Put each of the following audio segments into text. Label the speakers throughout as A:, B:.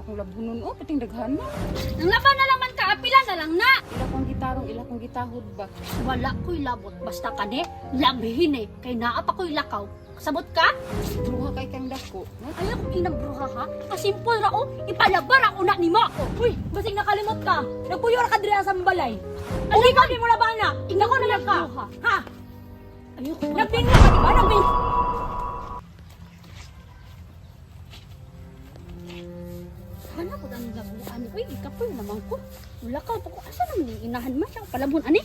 A: akong labunon o pating daghan na.
B: Nang laban na lang man ka, apila na lang na.
A: Ila kong gitarong, ila kong gitahod ba?
B: Wala ko'y labot, basta ka ne, labihin eh, kay naa pa ko'y lakaw. Sabot ka?
A: Bruha kay kang dako. No?
B: Ayaw kong inabruha ha, kasimpol ra o, ipalabar ako na ni mo.
C: Uy, basig nakalimot ka. Nagpuyor ka diri sa balay. Uwi ka di mo na bana. Ikaw ko na lang ka. Ha?
B: Ayaw ko.
C: Nagpinyo ka di ba? Nagpinyo.
B: Hana ko ang labuan. Uy, ikapoy naman ko. Wala ka pa ko. Asa naman yung inahan man siya? Palabon, ani?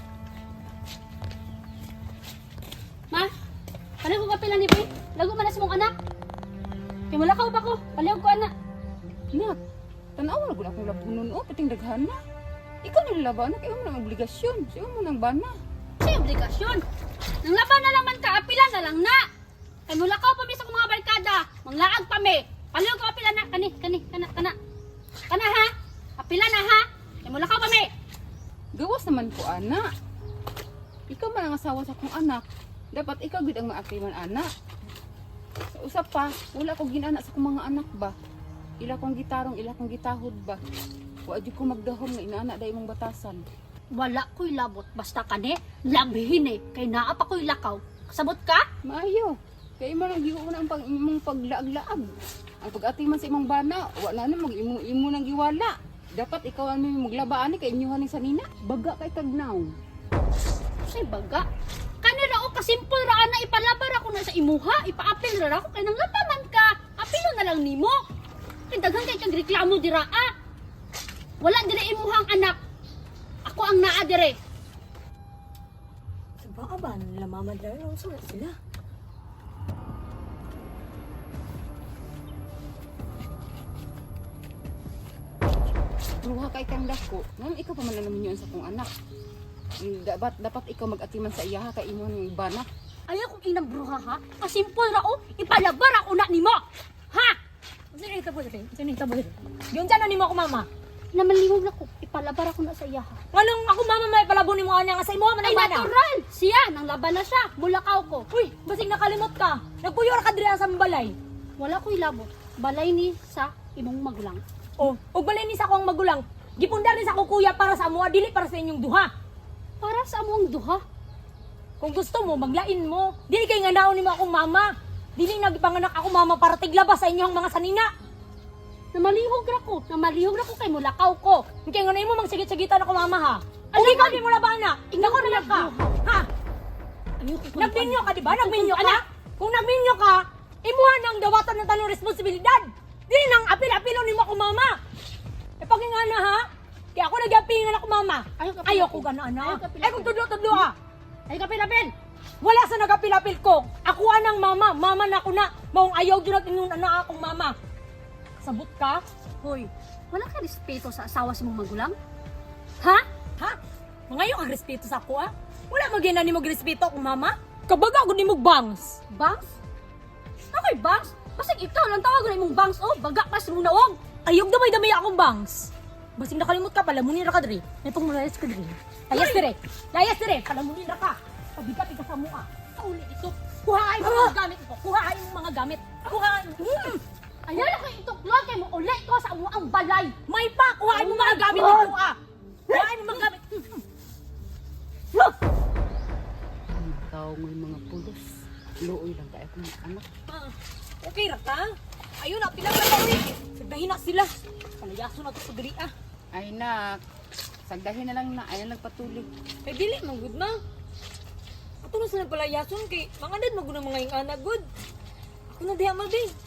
B: Ma, paano ko kapila ni Poy? Lago man na sa mong anak. Kaya malakaw pa ko. Palihog ko, anak.
A: Nak, tanaw na gud akong labunon o pating daghan na. Ikaw nilalaban na kayo mo ng obligasyon. Siya mo ng bana.
B: Sa obligasyon. Nang laban na lang man ka, apila na lang na. Kaya mulakaw pa mi sa mga barkada. Manglaag pa mi. Palihog ko apila na. Kana ha? Apila na ha? Kaya mulakaw pa mi.
A: Gawas naman ko, anak. Ikaw man ang asawa sa akong anak. Dapat ikaw gud ang maakriman anak. Sa usap pa, wala ko ginana sa akong mga anak ba? Ila kong gitarong, ila kong gitahod ba? Wa jud ko magdahom nga inaana day mong batasan.
B: Wala ko'y labot. Basta ka ne, labihin eh. Kaya naa pa ko'y lakaw. Sabot ka?
A: Maayo. Kay man ang giwo na ang imong paglaag-laag. Ang pag-atiman sa imong bana, wala na imo nang giwala. Dapat ikaw ang maglabaan ni kay inyohan ni sanina. Baga kay tagnaw.
B: Say baga. Kanira o kasimpol ra na ipalabar ako na sa imuha. Ipaapil ra ako kay nang labaman ka. Apilo na lang nimo. Kay daghan kay kag reklamo dira ah. Wala dire imuhang anak. Ako ang naa dire.
C: Sa baka ba? Lamamad na rin. Sulat sila.
A: Ruha kay kang dako. Ngam ikaw pa man naman yun sa akong anak. Dapat ikaw mag-atiman sa iya kay imong bana.
B: Ayaw kong inang bruha ha. Kasimpol ra o ipalabar ako na nimo. Ha?
C: Sino yung tabo dito? Sino yung tabo dito? Yun dyan ni mo ako mama.
B: Namalihog na ko. Ipalabar ako na sa iya ha.
C: Anong ako mama may palabo ni mo anya nga sa imo man
B: Ay
C: ang bana?
B: natural. Siya nang laban na siya. Mulakaw ko.
C: Uy, basig nakalimot ka. Nagpuyor ka diri sa balay.
B: Wala ko'y labot. Balay ni sa imong magulang.
C: Oh, ug balay ni sa akong magulang. Gipundar ni sa akong kuya para sa amo, dili para sa inyong duha.
B: Para sa among duha.
C: Kung gusto mo, maglain mo. Dili kay nga naon nimo akong mama. Dili nagipanganak ako mama para tiglabas sa inyong mga sanina.
B: Namalihog ra ko kay mulakaw ko.
C: Kaya nga na imo magsigit-sigitan ako mama ha.
B: Ano
C: Uwi ka
B: man?
C: di mo na bana. Ikaw na lang ka. Ha?
B: Ayoko ko.
C: Nagminyo ka di ba? Nagminyo ka? Kung nagminyo ka, imuha nang dawatan ng tanong responsibilidad. Dili nang apil-apilo nimo ako mama. E pagingana ha? Kaya ako nag-apingan ako mama. Ayoko gana anak. Ay kung tudlo-tudlo ka.
B: Ay kapil-apil.
C: Wala sa nag-apil-apil ko. Ako anang mama. Mama na ako na. Maong ayaw dyan at inyong anak akong mama. Sabot ka?
B: Hoy, wala ka respeto sa asawa sa mong magulang? Ha?
C: Ha? Mangayo ang respeto sa ako ah. Wala magina ni mo respeto akong mama. Kabaga ako ni mo bangs.
B: Bangs? Ako'y bangs? Basig ikaw lang tawag na imong bangs oh. Baga pas mong naong.
C: Ayog damay-damay akong bangs. Basing nakalimot ka, palamunin ra ka diri. May pangmulayas ka diri. Layas dire. Layas dire. Palamunin ra ka. Pabigat ka sa mua.
B: Sa uli ito.
C: Kuhain mo mga gamit ko. Kuhain mo mga gamit. Kuhain.
B: Ayaw na kayo ituklon kay mo ulit ko sa amo ang balay.
C: May pa. Kuhain mo mga gamit dito ah. Kuhain mo mga gamit.
A: Ikaw ng mga pulos. Luoy lang kay akong anak.
C: Okay ra ka? Ayun na, pilang na uwi. Sagdahin na sila. Palayaso na ito sa diri ah.
A: Ay nak, sagdahin na lang na ayan nagpatuloy.
C: Eh dili, manggod na. Ato na sila palayason kay mga dad maguna mga yung anak good. Ako na diha mabi.